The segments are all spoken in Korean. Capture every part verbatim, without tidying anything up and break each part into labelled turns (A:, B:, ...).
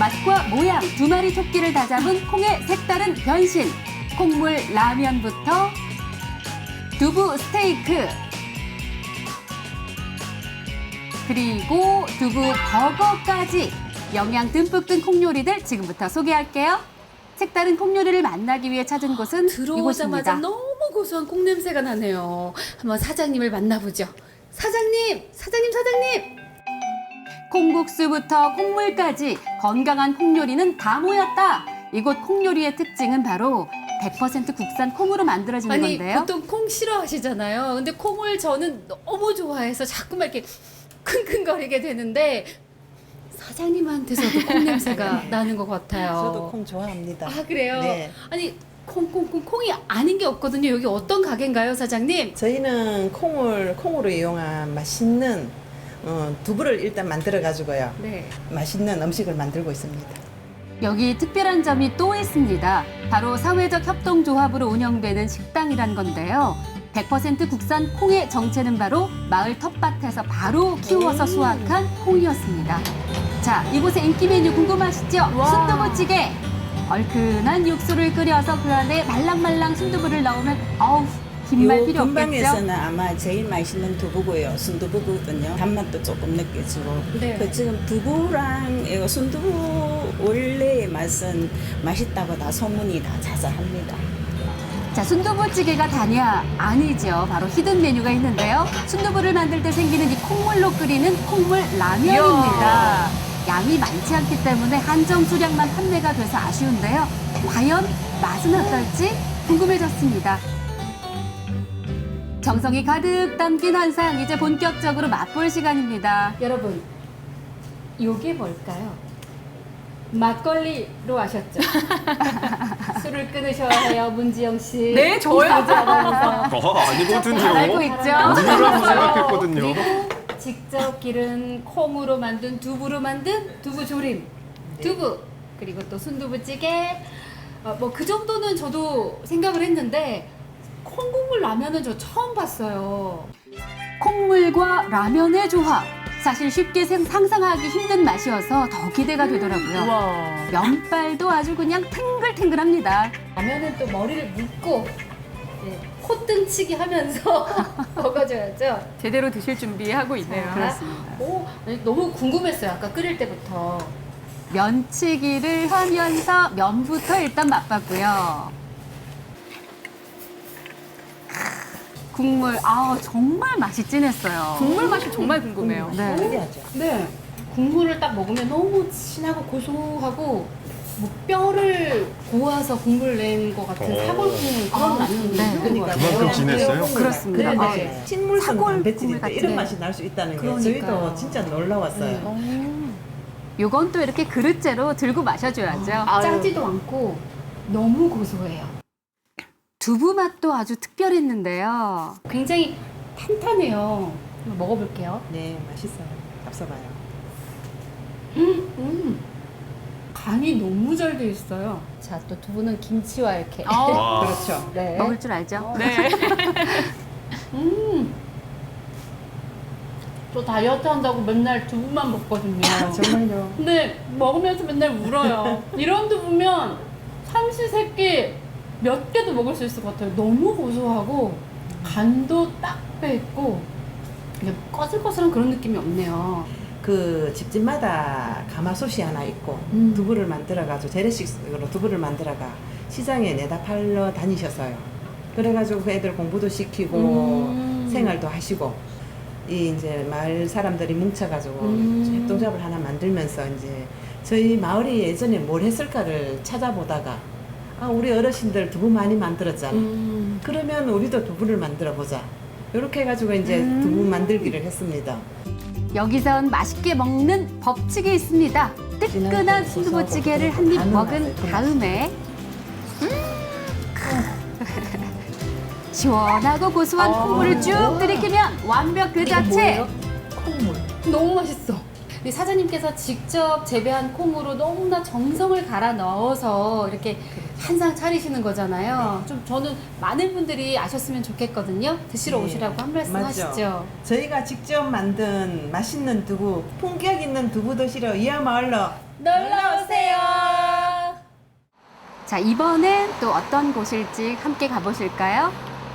A: 맛과 모양 두 마리 토끼를 다잡은 콩의 색다른 변신. 콩물 라면부터 두부 스테이크, 그리고 두부 버거까지 영양 듬뿍 든 콩요리들 지금부터 소개할게요. 색다른 콩요리를 만나기 위해 찾은 곳은
B: 들어오자마자
A: 이곳입니다.
B: 너무 고소한 콩 냄새가 나네요. 한번 사장님을 만나보죠. 사장님, 사장님, 사장님.
A: 콩국수부터 콩물까지 건강한 콩요리는 다 모였다. 이곳 콩요리의 특징은 바로 백 퍼센트 국산 콩으로 만들어지는
B: 아니
A: 건데요.
B: 보통 콩 싫어하시잖아요. 근데 콩을 저는 너무 좋아해서 자꾸만 이렇게 킁킁거리게 되는데 사장님한테서도 콩 냄새가 나는 것 같아요.
C: 저도 콩 좋아합니다.
B: 아 그래요?
C: 네.
B: 아니 콩콩콩 콩이 아닌 게 없거든요. 여기 어떤 가게인가요, 사장님?
C: 저희는 콩을 콩으로 이용한 맛있는 어, 두부를 일단 만들어 가지고요.
B: 네.
C: 맛있는 음식을 만들고 있습니다.
A: 여기 특별한 점이 또 있습니다. 바로 사회적 협동조합으로 운영되는 식당이란 건데요. 백 퍼센트 국산 콩의 정체는 바로 마을 텃밭에서 바로 키워서 수확한 콩이었습니다. 자, 이곳의 인기 메뉴 궁금하시죠?
B: 와.
A: 순두부찌개! 얼큰한 육수를 끓여서 그 안에 말랑말랑 순두부를 넣으면 어우, 긴 말
D: 요
A: 필요 없겠죠?
D: 근방에서는 아마 제일 맛있는 두부고요. 순두부거든요. 단맛도 조금 느껴지고.
B: 네.
D: 그 지금 두부랑 이거 순두부 원래의 맛은 맛있다고 다 소문이 다 자자합니다.
A: 자, 순두부찌개가 다냐? 아니죠. 바로 히든 메뉴가 있는데요. 순두부를 만들 때 생기는 이 콩물로 끓이는 콩물 라면입니다. 양이 많지 않기 때문에 한정 수량만 판매가 돼서 아쉬운데요. 과연 맛은 어떨지 궁금해졌습니다. 정성이 가득 담긴 한상, 이제 본격적으로 맛볼 시간입니다.
B: 여러분, 이게 뭘까요? 막걸리로 아셨죠? 술을 끊으셔야 해요, 문지영 씨.
E: 네, 저요?
B: 하면서
E: 어, 아니거든요.
A: 잘 알고 있죠?
E: 우유라고 생각했거든요.
B: 그리고 직접 기른 콩으로 만든 두부로 만든 두부 조림, 두부, 그리고 또 순두부찌개. 어, 뭐 그 정도는 저도 생각을 했는데 콩국물 라면은 저 처음 봤어요.
A: 콩물과 라면의 조합. 사실 쉽게 생- 상상하기 힘든 맛이어서 더 기대가 되더라고요.
B: 와.
A: 면발도 아주 그냥 탱글탱글합니다.
B: 라면은 또 머리를 묶고 네, 콧등치기 하면서 먹어줘야죠.
E: 제대로 드실 준비하고 있네요.
A: 그렇습니다.
B: 오, 아니, 너무 궁금했어요. 아까 끓일 때부터.
A: 면치기를 하면서 면부터 일단 맛봤고요. 국물, 아 정말 맛이 진했어요.
E: 국물 맛이 정말 궁금해요.
A: 네.
C: 특이하죠.
B: 네. 국물을 딱 먹으면 너무 진하고 고소하고 뭐 뼈를 고아서 국물 낸 것 같은
E: 어.
B: 사골 국물 그런
A: 아,
B: 라면이
A: 네.
B: 있는
C: 그러니까
B: 거예요.
E: 그만큼 진했어요?
A: 그렇습니다.
B: 네,
A: 아,
B: 네.
C: 식물성
A: 사골
C: 단백질인데
A: 국물
C: 이런
A: 같은-
C: 맛이 날 수 있다는 게
B: 그러니까요.
C: 저희도 진짜 놀라웠어요.
B: 네.
A: 요건 또 이렇게 그릇째로 들고 마셔줘야죠.
B: 아, 짜지도 않고 너무 고소해요.
A: 두부 맛도 아주 특별했는데요.
B: 굉장히 탄탄해요. 한번 먹어볼게요.
C: 네, 맛있어요. 앞서봐요.
B: 음, 간이 너무 잘 돼 있어요. 자, 또 두부는 김치와 이렇게.
E: 와.
C: 그렇죠.
B: 네.
A: 먹을 줄 알죠?
E: 네.
B: 음. 저 다이어트 한다고 맨날 두부만 먹거든요.
C: 정말요.
B: 근데 먹으면서 맨날 울어요. 이런 두부면 삼시세끼 몇 개도 먹을 수 있을 것 같아요. 너무 고소하고 간도 딱 배있고 그냥 꺼슬꺼슬한 그런 느낌이 없네요.
C: 그 집집마다 가마솥이 하나 있고
B: 음.
C: 두부를 만들어가지고 재래식으로 두부를 만들어가 시장에 내다 팔러 다니셨어요. 그래가지고 그 애들 공부도 시키고
B: 음.
C: 생활도 하시고 이 이제 마을 사람들이 뭉쳐가지고
B: 음.
C: 협동조합을 하나 만들면서 이제 저희 마을이 예전에 뭘 했을까를 찾아보다가 아 우리 어르신들 두부 많이 만들었잖아.
B: 음.
C: 그러면 우리도 두부를 만들어 보자. 이렇게 해가지고 이제
A: 음.
C: 두부 만들기를 했습니다.
A: 여기선 맛있게 먹는 법칙이 있습니다. 뜨끈한 순두부찌개를 한 입 먹은 다음에 음, 시원하고 고소한 콩물을 쭉 들이키면 완벽 그 자체.
B: 콩물. 너무 맛있어. 이 사장님께서 직접 재배한 콩으로 너무나 정성을 갈아 넣어서 이렇게 한 상 차리시는 거잖아요. 좀 저는 많은 분들이 아셨으면 좋겠거든요. 드시러
C: 네.
B: 오시라고 한 말씀
C: 맞죠.
B: 하시죠.
C: 저희가 직접 만든 맛있는 두부, 품격 있는 두부 드시러 이하 마을로
B: 놀러 오세요.
A: 자, 이번엔 또 어떤 곳일지 함께 가보실까요?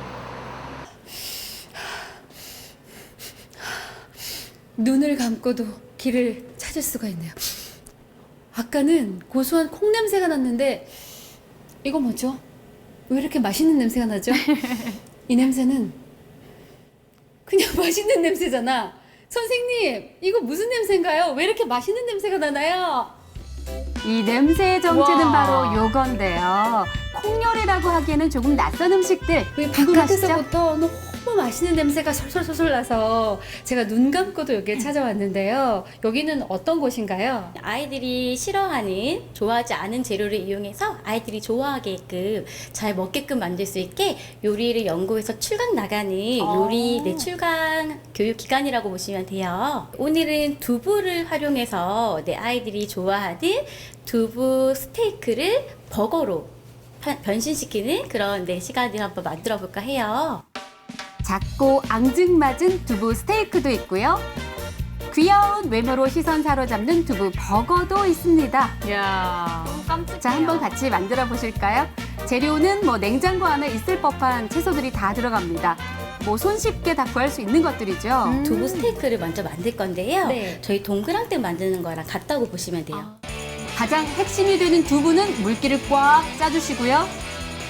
B: 눈을 감고도 길을 찾을 수가 있네요. 아까는 고소한 콩 냄새가 났는데 이거 뭐죠? 왜 이렇게 맛있는 냄새가 나죠? 이 냄새는 그냥 맛있는 냄새잖아. 선생님, 이거 무슨 냄새인가요? 왜 이렇게 맛있는 냄새가 나나요?
A: 이 냄새의 정체는
E: 와.
A: 바로 요건데요. 콩요리라고 하기에는 조금 낯선 음식들
B: 왜
A: 궁금하시죠?
B: 바깥에서부터 너무 맛있는 냄새가 솔솔솔솔 나서 제가 눈 감고도 여기에 찾아왔는데요. 여기는 어떤 곳인가요?
F: 아이들이 싫어하는, 좋아하지 않은 재료를 이용해서 아이들이 좋아하게끔 잘 먹게끔 만들 수 있게 요리를 연구해서 출강 나가는 요리 네, 출강 교육 기관이라고 보시면 돼요. 오늘은 두부를 활용해서 내 아이들이 좋아하는 두부 스테이크를 버거로 파- 변신시키는 그런 네, 시간을 한번 만들어 볼까 해요.
A: 작고 앙증맞은 두부 스테이크도 있고요. 귀여운 외모로 시선 사로잡는 두부 버거도 있습니다.
E: 이야. 깜찍해요.
A: 자, 한번 같이 만들어 보실까요? 재료는 뭐 냉장고 안에 있을 법한 채소들이 다 들어갑니다. 뭐 손쉽게 다 구할 수 있는 것들이죠.
F: 두부 스테이크를 먼저 만들 건데요.
B: 네.
F: 저희 동그랑땡 만드는 거랑 같다고 보시면 돼요.
A: 가장 핵심이 되는 두부는 물기를 꽉 짜주시고요.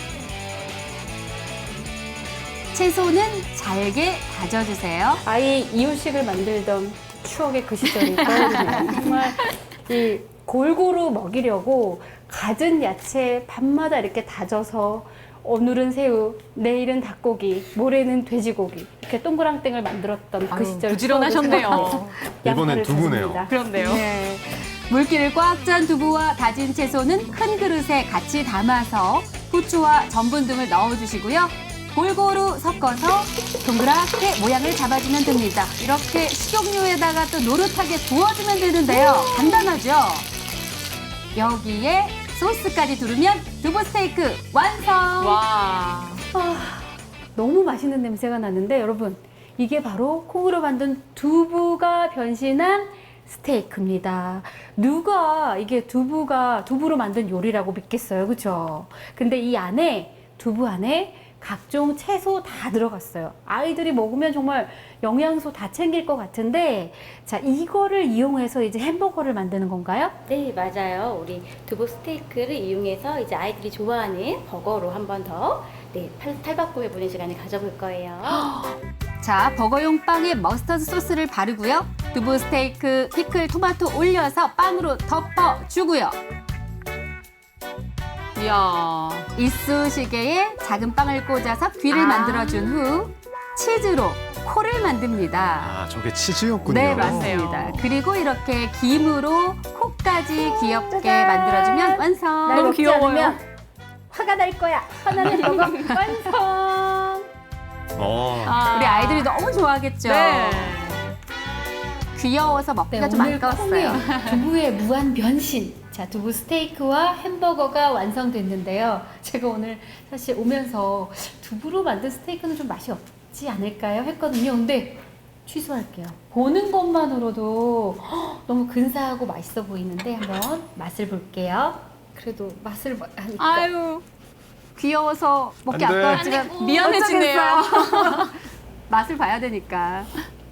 A: 채소는 잘게 다져주세요.
B: 아이 이유식을 만들던 추억의 그 시절이 떠오르네요. 정말 이 골고루 먹이려고 갖은 야채 밤마다 이렇게 다져서 오늘은 새우, 내일은 닭고기, 모레는 돼지고기 이렇게 동그랑땡을 만들었던 그
E: 아유,
B: 시절
E: 부지런하셨네요.
B: 추억을 생각해서
G: 이번엔
B: 양파를
G: 두부네요.
B: 다집니다.
E: 그런데요.
A: 네. 물기를 꽉 짠 두부와 다진 채소는 큰 그릇에 같이 담아서 후추와 전분 등을 넣어주시고요. 골고루 섞어서 동그랗게 모양을 잡아주면 됩니다. 이렇게 식용유에다가 또 노릇하게 부어주면 되는데요. 간단하죠? 여기에 소스까지 두르면 두부 스테이크 완성!
E: 와.
B: 너무 맛있는 냄새가 나는데 여러분 이게 바로 콩으로 만든 두부가 변신한 스테이크입니다. 누가 이게 두부가 두부로 만든 요리라고 믿겠어요, 그렇죠? 근데 이 안에 두부 안에 각종 채소 다 들어갔어요. 아이들이 먹으면 정말 영양소 다 챙길 것 같은데 자 이거를 이용해서 이제 햄버거를 만드는 건가요?
F: 네, 맞아요. 우리 두부 스테이크를 이용해서 이제 아이들이 좋아하는 버거로 한 번 더 네, 탈- 탈바꿈해보는 시간을 가져볼 거예요.
A: 자, 버거용 빵에 머스터드 소스를 바르고요. 두부 스테이크, 피클, 토마토 올려서 빵으로 덮어주고요.
E: 이야.
A: 이쑤시개에 작은 빵을 꽂아서 귀를
E: 아.
A: 만들어준 후 치즈로 코를 만듭니다.
G: 아, 저게 치즈였군요.
A: 네, 맞습니다.
E: 맞네요.
A: 그리고 이렇게 김으로 코까지 귀엽게
B: 짜잔.
A: 만들어주면 완성.
B: 날
E: 너무
B: 먹지
E: 귀여워요.
B: 않으면 화가 날 거야. 화나는 버거 완성.
G: 어.
E: 아.
A: 우리 아이들이 너무 좋아하겠죠?
E: 네.
A: 귀여워서 먹기가 좀
B: 오늘
A: 아까웠어요.
B: 콩의 두부의 무한 변신. 자, 두부 스테이크와 햄버거가 완성됐는데요. 제가 오늘 사실 오면서 두부로 만든 스테이크는 좀 맛이 없지 않을까요? 했거든요. 근데 취소할게요. 보는 것만으로도 헉, 너무 근사하고 맛있어 보이는데 한번 맛을 볼게요. 그래도 맛을 봐- 하니까
E: 아유.
A: 귀여워서 먹기
G: 안 돼.
A: 아까웠지만
E: 미안해지네요.
A: 어쩌겠어요. 맛을 봐야 되니까.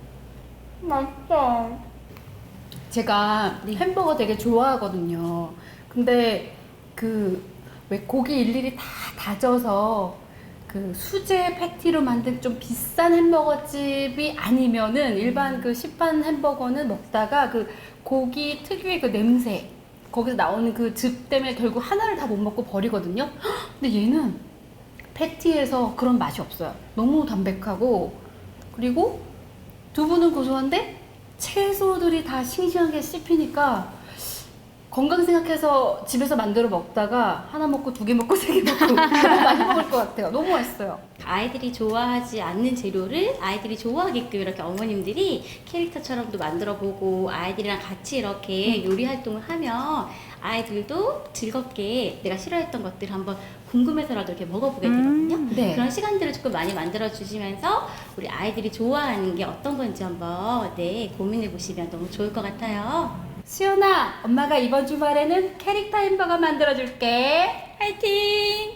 B: 맛있어. 제가 햄버거 되게 좋아하거든요. 근데 그 왜 고기 일일이 다 다져서 그 수제 패티로 만든 좀 비싼 햄버거 집이 아니면은 일반 그 시판 햄버거는 먹다가 그 고기 특유의 그 냄새 거기서 나오는 그 즙 때문에 결국 하나를 다 못 먹고 버리거든요. 헉, 근데 얘는 패티에서 그런 맛이 없어요. 너무 담백하고 그리고 두부는 고소한데 채소들이 다 싱싱하게 씹히니까 건강 생각해서 집에서 만들어 먹다가 하나 먹고 두 개 먹고 세 개 먹고 너무 많이 먹을 것 같아요. 너무 맛있어요.
F: 아이들이 좋아하지 않는 재료를 아이들이 좋아하게끔 이렇게 어머님들이 캐릭터처럼도 만들어보고 아이들이랑 같이 이렇게 요리 활동을 하면 아이들도 즐겁게 내가 싫어했던 것들을 한번 궁금해서라도 이렇게 먹어보게 되거든요.
B: 네.
F: 그런 시간들을 조금 많이 만들어 주시면서 우리 아이들이 좋아하는 게 어떤 건지 한번 네 고민해 보시면 너무 좋을 것 같아요.
B: 수연아, 엄마가 이번 주말에는 캐릭터 햄버거 만들어줄게.
F: 화이팅!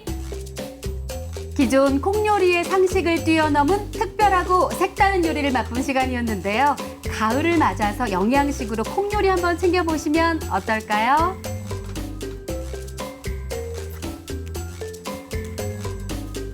A: 기존 콩요리의 상식을 뛰어넘은 특별하고 색다른 요리를 맛본 시간이었는데요. 가을을 맞아서 영양식으로 콩요리 한번 챙겨보시면 어떨까요?